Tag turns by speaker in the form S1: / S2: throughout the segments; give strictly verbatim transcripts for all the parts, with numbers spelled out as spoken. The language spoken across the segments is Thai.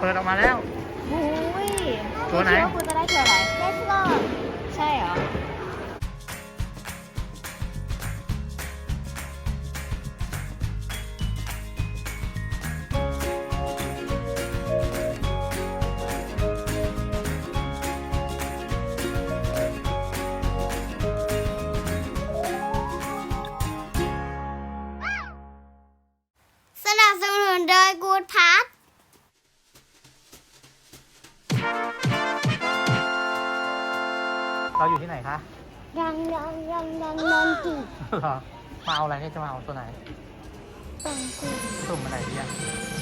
S1: ปิดออกมาแล้ว
S2: โอ้ย
S1: ตัวไหน
S2: คิดว่าคุณจะได้ตัวอะไร
S3: Let's go
S2: ใช่เหรอ
S3: สนับสนุนโดยกูดพาร์ท
S1: เราอยู่ที่ไหนคะ
S3: ยังยังยังยังยังจี
S1: เหรอมาเอาอะไรเนี่ยจะมาเอาตัวไหน
S3: ตังกู
S1: สุ่มอะไรดีอ่ะ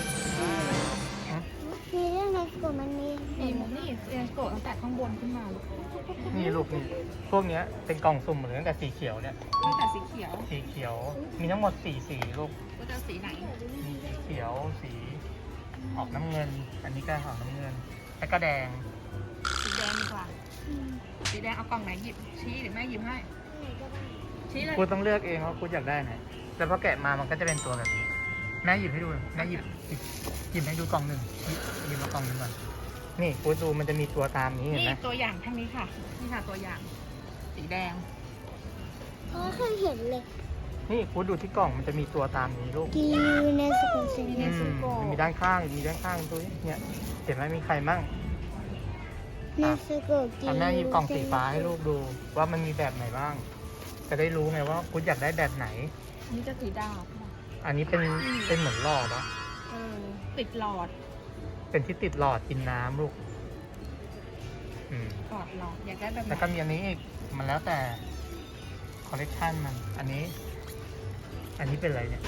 S3: มีเรื่องในกลุ่มมันมี
S2: นี่นี่เรียนโกะตั้งแต่ข้างบนขึ้นมาลูก
S1: นี่ลูกนี่พวกเนี้ยเป็นกล่องสุ่มหมดเลยตั้งแต่สีเขียวเนี่ย
S2: ตั้งแต่สีเขียว
S1: สีเขียวมีทั้งหมดสี่สีลูก
S2: ก็จะสีไหน
S1: มีสีเขียวสีออกน้ำเงิน อันนี้ก็ออกน้ำเงินแล้วก็แดง
S2: สีแดงดีกว่าสีแดงเอากล่องไหนหยิบชี้หรือแม่หยิบให้ชี้เลย
S1: กูต้องเลือกเองว่ากูอยากได้ไหนแล้วพอแกะมามันก็จะเป็นตัวแบบนี้แม่หยิบให้ดูแม่หยิบหยิบหยิบให้ดูกล่องหนึ่งหยิบหยิบมากล่องหนึ่งก่อนนี่กูดูมันจะมีตัวตามนี้เห็น
S2: นี่
S1: ไหม
S2: ตัวอย่างทั้งนี้ค่ะนี่ค่ะตัวอย่าง สีแดง
S3: เพราะเคยเห็นเลย
S1: นี่กูดูที่กล่องมันจะมีตัวตามนี้ลูก
S3: กีในสกุลเซน
S2: มี
S3: เน
S2: ใน
S3: ส
S2: สกุล
S1: อืมมีด้านข้างมีด้านข้างตัวนี้เนี่ยเห็นไหมมีใครมั่ง
S3: ในสกุลกี
S1: ทำแม่หยิบกล่องสีฟ้าให้ลูกดูว่ามันมีแบบไหนบ้าง จะได้รู้ไงว่ากูอยากได้แบบไหน
S2: อันนี้จะสีดาว
S1: อันนี้เป็นเป็นเหมือนหลอดอะ
S2: เออติดหลอด
S1: เป็นที่ติดหลอดกินน้ำลูกอืม
S2: หลอดหลอดอยากได้แบบไหน
S1: แล้วก็มีอันนี้อีกมันแล้วแต่คอลเลกชันมัน อันนี้ อันนี้เป็นอะไรเนี่ย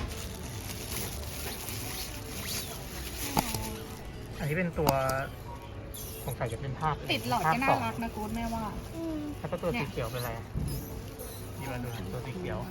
S1: อันนี้เป็นตัวสงสัยจะเป็นภาพ
S2: ติดหลอด
S1: ภาพ
S2: ก็น่า
S1: สอง
S2: รักนะกู๊ดแม่ว่า
S3: อืม
S1: แล้วก็ตัวสีเขียวเป็นอะไรอะนี่มาดูหน่อยตัวสีเขียว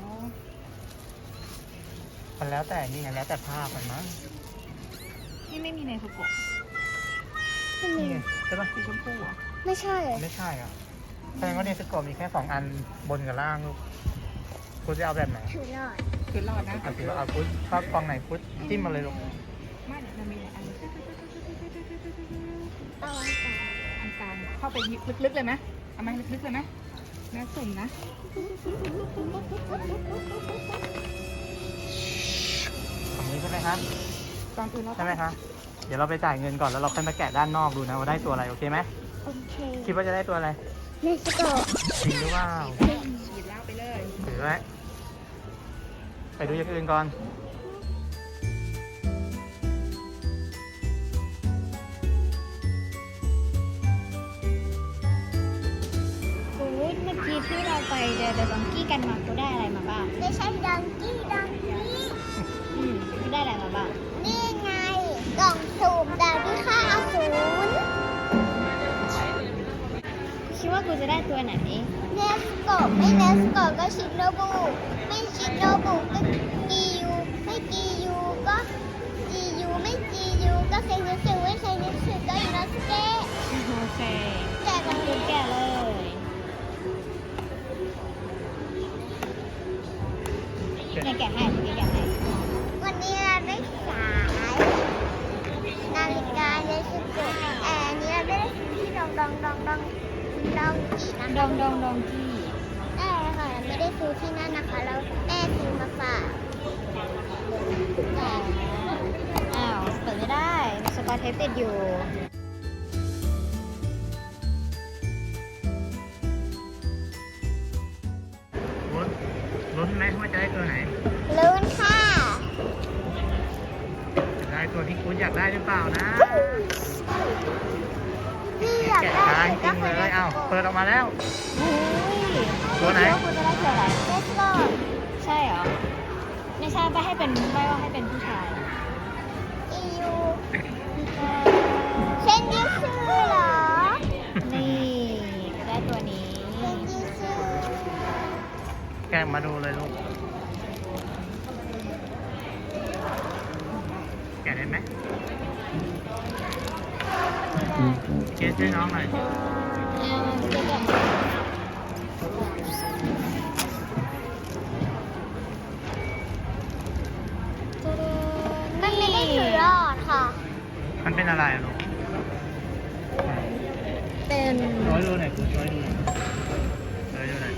S1: มันแล้วแต่นี่ไงแล้วแต่ภาพมันมั้ง
S2: นี่ไม่มีในสกุล
S3: ไม่มี
S1: นี่ไงใช่ปะ
S2: สีชมพูเหรอ
S3: ไม่ใช่เลย
S1: ไม่ใช่อ่ะแสดงว่าเนสโกะมีแค่สองอันบนกับล่างลูกคุณจะเอาแบบไหน
S3: ถือหลอด
S2: คือหลอดนะ
S1: เอาถือว่าเอาพุทชอบกองไหนพุทจิ้มมาเลยลูก
S2: ไม่เดี๋ยวมันมีหลายอัน
S3: เอาอันกลาง
S2: อันกลางเข้าไปลึกๆเลยไหมเอาไหมลึกๆเลยไหมแม่สุ่มนะ
S1: ฝั่งนี้ใช่ไหมครับ
S2: ตอนอื่นเรา
S1: ใช่ไหมครับเดี๋ยวเราไปจ่ายเงินก่อนแล้วเราค่อยมาแกะด้านนอกดูนะว่าได้ตัวอะไรโอเคไหม
S3: โอเค
S1: คิดว่าจะได้ตัวอะไร
S3: ในสกุล
S1: จริงหรือเปล่า
S2: ฉีดแล้วไปเลย
S1: ถือไว้ไปดูอย่างอื่นก่อน
S2: กูดเมื่อกี้ที่เราไปเดอะดองกี้กันมากูได้อะไรมาบ้าง
S3: ไม่ใช่ดังกี้ดังกี้
S2: อืมกูได้อะไรมาบ้าง
S3: นี่ไง กล่องสูบดาวที่ค่าอสูร
S2: คิดว่ากูจะได้ตัวไหน
S3: เนสโกะไม่เนสโกะก็ชิโนบุไม่ชิโนบุก็กียูไม่กียูก็จียูไม่จียูก็เซนิสึไม่เซนิสึก็อินโนสเกะ
S2: โอเค
S3: แจกกัน
S2: กูแก่เลยเนี่ยแกะให้เนี่ยแกะให้
S3: วันนี้เราได้สายนาฬิกาเนสโกะแอร์นี้เราได้ที่ดองดองดองดองดองกีนะ
S2: ดองดองดองกี้
S3: ได้ค่ะไม่ได้ซื้อที่นั่นนะคะแล้วแม่ซื้อมาฝากแต่
S2: อ้าวเปิดไม่ได้มีสกอตเทปติดอยู่
S1: ลุ้นลุ้นไหมว่าจะได้ตัวไหน
S3: ลุ้นค่ะ
S1: จะได้ตัวที่คุณอยากได้หรือเปล่านะ
S3: พี่อยาก
S1: แกะ
S3: ได้
S1: ช้าจริงๆเลยอ้าวเปิดออกมาแล้ว
S2: อุ้ย
S1: ตัวไหน
S2: คิดว่ากูจะได้ตัวอะไร
S3: เลสโก
S2: ใช่เหรอ ไม่ใช่ไปให้เป็นไม่ว่าให้เป็นผู้ชาย
S3: อียูเซนดิซึเหรอ
S2: นี่ได้ตัวนี้
S3: เซนดิซึ
S1: แกะมาดูเลยลูก แกะได้ไหมเจ๊ช่วยน้องหน่อย
S2: เอาเดี๋ยวก่อน
S3: มันไม่ได้ถือหลอดค่ะ
S1: มันเป็นอะไรลูก
S2: เป็น
S1: ช่วยดูหน่อยคุณช่วยดูหน่อยช่วยดูหน่อย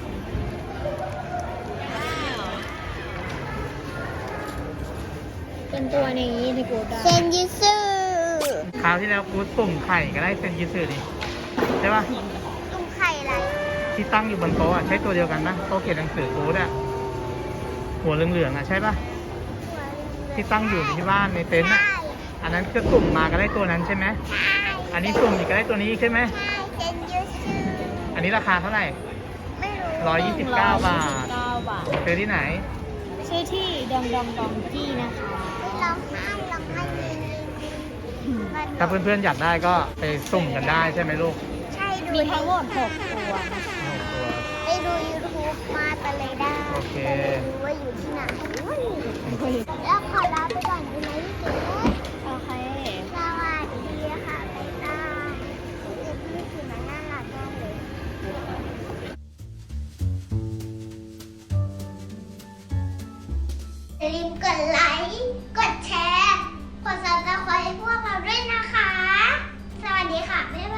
S2: เป็นตัวนี้ที่กูได้
S3: เซนยิสึ
S1: คราวที่แล้วกูสุ่มไข่ก็ได้เซนยิสึดิใช่ปะ
S3: ตุ้มไข่อะไร
S1: ที่ตั้งอยู่บนโต๊ะอะใช้ตัวเดียวกันปะโต๊ะเขียนหนังสือกูดอะหัวเหลืองๆอะใช่ปะที่ตั้งอยู่ที่บ้านในเต็นท์อะอันนั้นก็สุ่มมาก็ได้ตัวนั้นใช่ไหม
S3: ใช่
S1: อันนี้สุ่มอีกก็ได้ตัวนี้อีกใช่ไหม
S3: ใช่เซนยิสึ
S1: อันนี้ราคาเท่าไหร่
S3: ไม่รู้
S1: ร้อยยี่สิบเก้าบาท
S2: เก้าบาท
S1: ซื้อที่ไหน
S2: ชื่อที่ดองดองดองกี้นะคะ
S3: ร้องไห้ร้องไห้ยิงยิงมัน
S1: ถ้าเพื่อนๆอยากได้ก็ไปสุ่มกันได้ใช่ไหมลูก
S3: ใช่ดู
S2: มีทั้งหมดหกตัวนะคะ
S1: โอ้โหตัว
S3: ไปดูยูทูบมาตะเลยได้
S1: โอเค
S3: แต่ไม่รู้ว่าอยู่ที่ไหนแล้วขอลาไปก่อนดีไหมพี่เก๋
S2: โอเค
S3: สวัสดีค่ะบ๊ายบายเด็กพี่ถือมาน่ารักมากเลยอย่าลืมกดไลค์ กดแชร์ กดซับสไครต์พวกเราด้วยนะคะ สวัสดีค่ะ บ๊ายบาย